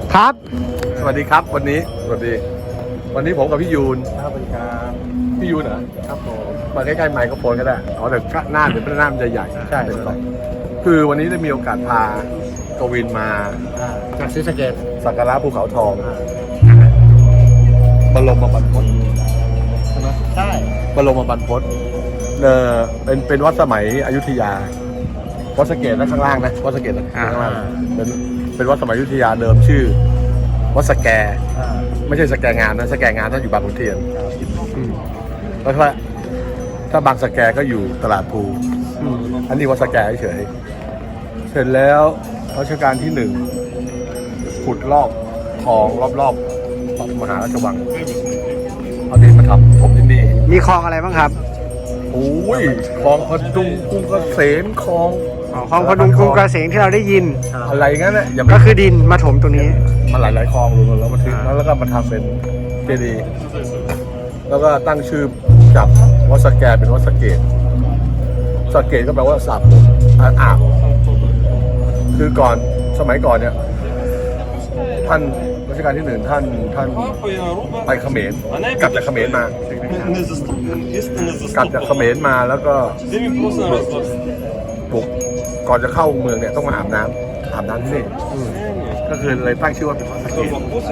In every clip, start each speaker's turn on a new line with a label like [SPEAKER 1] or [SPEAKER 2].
[SPEAKER 1] ครับ
[SPEAKER 2] สวัสดีครับวันนี้ผมกับพี่ยูน
[SPEAKER 1] สวัสดีครับ
[SPEAKER 2] พี่ยูนเหรอ
[SPEAKER 1] ครับผม
[SPEAKER 2] มาใกล้ๆไมโครโฟนก็ได้อ๋อแต่หน้าเดี๋ยวหน้ามันจะใหญ่
[SPEAKER 1] ใช่
[SPEAKER 2] คือวันนี้ได้มีโอกาสพากวินมา
[SPEAKER 1] จากศรีสะเกษ
[SPEAKER 2] สักการะภูเขาทองบรมบรรพตใช่ไหม
[SPEAKER 1] ใช่
[SPEAKER 2] บรมบรรพตเป็นวัดสมัยอยุธยาวัดสะเกษนะข้างล่างนะวัดสะเกษนะข้างล่างเป็นวัดสมัยอยุธยาเดิมชื่อวัดสแกไม่ใช่สแกงามนะสแกงามท่านอยู่บางขุนเทียนแล้วถ้าบางสแกก็อยู่ตลาดภูอันนี้วัดสแกเฉยเสร็จแล้วรัชกาลที่ขุดลอกคลองรอบมหาราชวังเอาดินมาทำผมที่นี่
[SPEAKER 1] มีคลองอะไรบ้างครับ
[SPEAKER 2] โอ้ยคลองพดุงกรุงเกษมคลอง
[SPEAKER 1] คลองพดุงกรุงเกษมที่เราได้ยิน
[SPEAKER 2] อะไรงั้นนะอย่า
[SPEAKER 1] ก็คือดินมาถมตรงนี้
[SPEAKER 2] มันหลายคลองรวมแล้วมาถึงแล้วก็มาทำเป็นเจดีย์แล้วก็ตั้งชื่อจากวัดสแกเป็นวัดสะเกษสะเกษก็แปลว่าสาบอาบคือก่อนสมัยก่อนเนี่ยท่านรัชกาลที่1ท่านไปเขมรกลับจากเขมรมากลับจากเขมรมาแล้วก็บุกก่อนจะเข้าเมืองเนี่ยต้องมาอาบน้ำที่นี่ก็คือเลยตั้งชื่อว่าเป็นวัดสะเกษ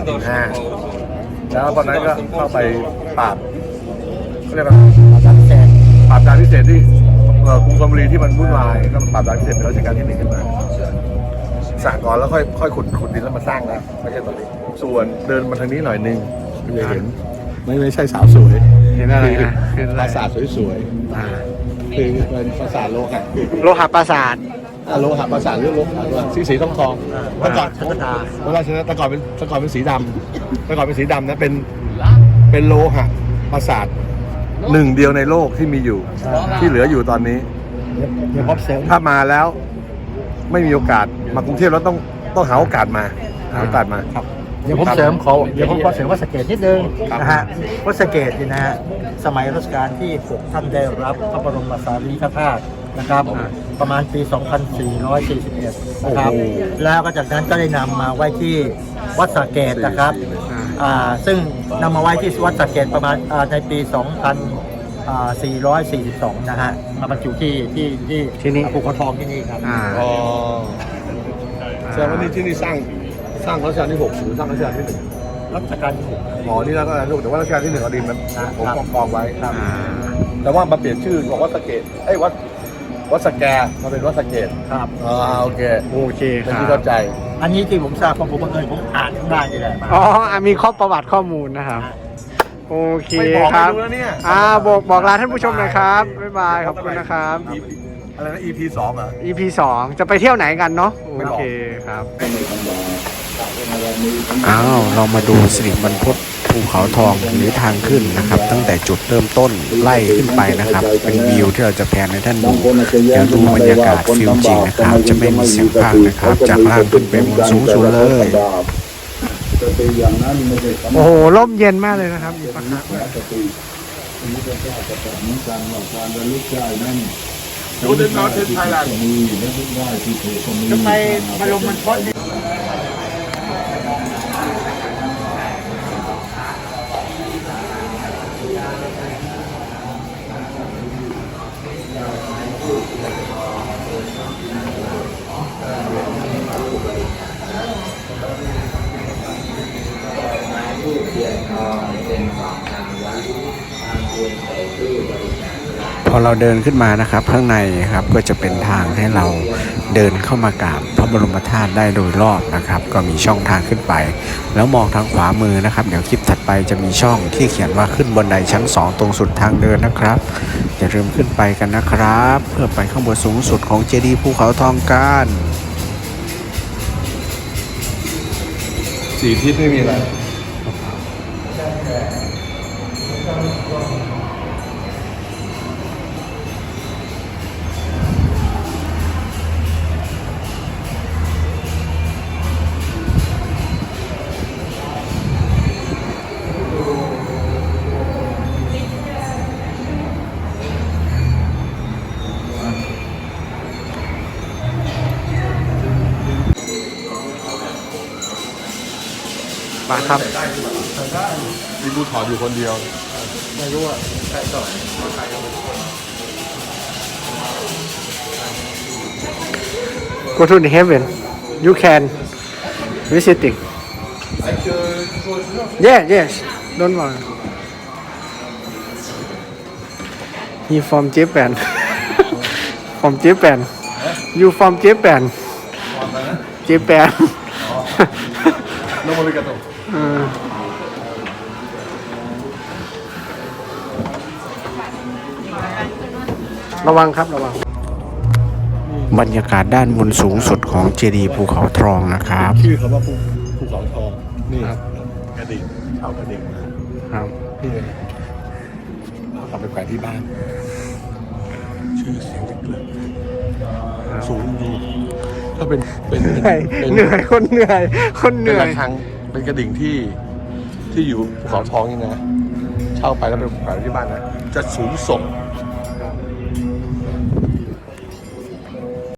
[SPEAKER 2] แล้วตอนนั้นก็เข้าไปปราบเขาเรียกว่าปราบดานพิเศษที่กรุงธนบุรีที่มันวุ่นวายก็ปราบดานพิเศษเป็นรัชกาลที่1ขึ้นมาสร้างก่อนแล้วค่อยขุดดินแล้วมาสร้างนะไม่ใช่ตอนนี้ส่วนเดินมาทางนี้หน่อยนึงจะเห็นไม่ใช่สาวสวย
[SPEAKER 1] เห็นอะไรนะ
[SPEAKER 2] ปราสาทสวยๆคือเป็นปราสาทโลหะ
[SPEAKER 1] ปราสาท
[SPEAKER 2] โลหะปราสาทหรือโลหะสีทองเมื่อก่อนแต่ก่อนเป็นสีดำแต่ก่อนเป็นสีดำนะเป็นโลหะปราสาทหนึ่งเดียวในโลกที่มีอยู่ที่เหลืออยู่ตอนนี้ถ้ามาแล้วไม่มีโอกาสมากรุงเทพแล้วต้องหาโอกาสมา
[SPEAKER 1] ครับเดี๋ยวผมเสริมขอวัดสะเกษนิดนึงนะฮะวัดสะเกษนี่นะฮะสมัยรัชกาลที่6ท่านได้รับพระบรมสารีริกธาตุนะครับประมาณปี 2441 นะครับแล้วก็จากนั้นก็ได้นำมาไว้ที่วัดสะเกษนะครับซึ่งนำมาไว้ที่วัดสะเกษประมาณในปี 2442 นะฮะมาบรรจุที่นี่ภูเขาทองที่นี่ครับ
[SPEAKER 2] แสดงว่าที่นี่สร้างรัชกาลที่6หรือสร้างรัชกาลที่1
[SPEAKER 1] รัชกาลที่6
[SPEAKER 2] นี่รัชกาลที่6แต่ว่ารัชกาลที่1เอาดินมันผมกองไว้แต่ว่ามาเปลี่ยนชื่อบอกวัดสะเกษวัดสแกมาเป็นวัดสะเกษ
[SPEAKER 1] ครับ
[SPEAKER 2] โอเค
[SPEAKER 1] ครับ
[SPEAKER 2] ที่เข้าใจ
[SPEAKER 1] อันนี้ที่ผมทราบเพราะผมอ่านข้างล่างนี่แหละ
[SPEAKER 3] มีข้อประวัติข้อมูลนะครับโอเคครับบอกลาท่านผู้ชมหน่อยครับบ๊ายบายขอบคุณนะครับ
[SPEAKER 2] อะไรนะ EP 2เหรอ
[SPEAKER 3] EP 2จะไปเที่ยวไหนกันเนาะโอเคครับ
[SPEAKER 4] เรามาดูสิริบรรพตภูเขาทองหรือทางขึ้นนะครับตั้งแต่จุดเริ่มต้นไล่ขึ้นไปนะครับเป็นวิวที่เราจะแพนให้ท่านดูเดี๋ยวดูบรรยากาศฟิลจริงนะครับจะไม่มีเสียงพากย์นะครับจากล่างขึ้นไปบนสูงสุดเลย
[SPEAKER 3] โอ้โหร่มเย็นมากเลยนะครับอยู่ปะครับ
[SPEAKER 2] ดูเดินนอนถึงไทยแลนด์
[SPEAKER 1] ทำไมบรมบรรพต
[SPEAKER 4] พอเราเดินขึ้นมานะครับข้างในครับก็จะเป็นทางให้เราเดินเข้ามากราบพระบรมธาตุได้โดยรอบนะครับก็มีช่องทางขึ้นไปแล้วมองทางขวามือนะครับเดี๋ยวคลิปถัดไปจะมีช่องที่เขียนว่าขึ้นบันไดชั้น2ตรงสุดทางเดินนะครับอย่าลืมขึ้นไปกันนะครับเพื่อไปข้างบนสูงสุดของเจดีย์ภูเขาทองกัน
[SPEAKER 2] 4 ทิศไม่มีอะไร
[SPEAKER 3] มาครับ
[SPEAKER 2] มีกูถอดอยู่คนเดียว
[SPEAKER 1] ไม่รู้ว่าใครต่อ
[SPEAKER 3] go to the heaven you can visiting yes don't worry he from Japan from Japan you from Japan Japan
[SPEAKER 2] โนโมริกาโต
[SPEAKER 3] ระวังครับระวัง
[SPEAKER 4] บรรยากาศด้านบนสูงสุดของเจดีย์ภูเขาทองนะครับ
[SPEAKER 2] ชื่อคำว่าภูเขาทองนี่กระดิ่งชาวกระดิ่งนะครับ นี่เลยเอาไปแขวนที่บ้าน ชื่อเสียงเล็กๆสูงอยู่ถ้าเป็น
[SPEAKER 3] เหนื่อยคนเหนื่อยคนเห
[SPEAKER 2] เป็น
[SPEAKER 3] นื่อ
[SPEAKER 2] ระ
[SPEAKER 3] ย
[SPEAKER 2] ฆังเป็นกระดิ่งที่อยู่ภูเขาทองนี่นะ เช่าไปแล้วไปแขวนที่บ้านนะจะสูงส่ง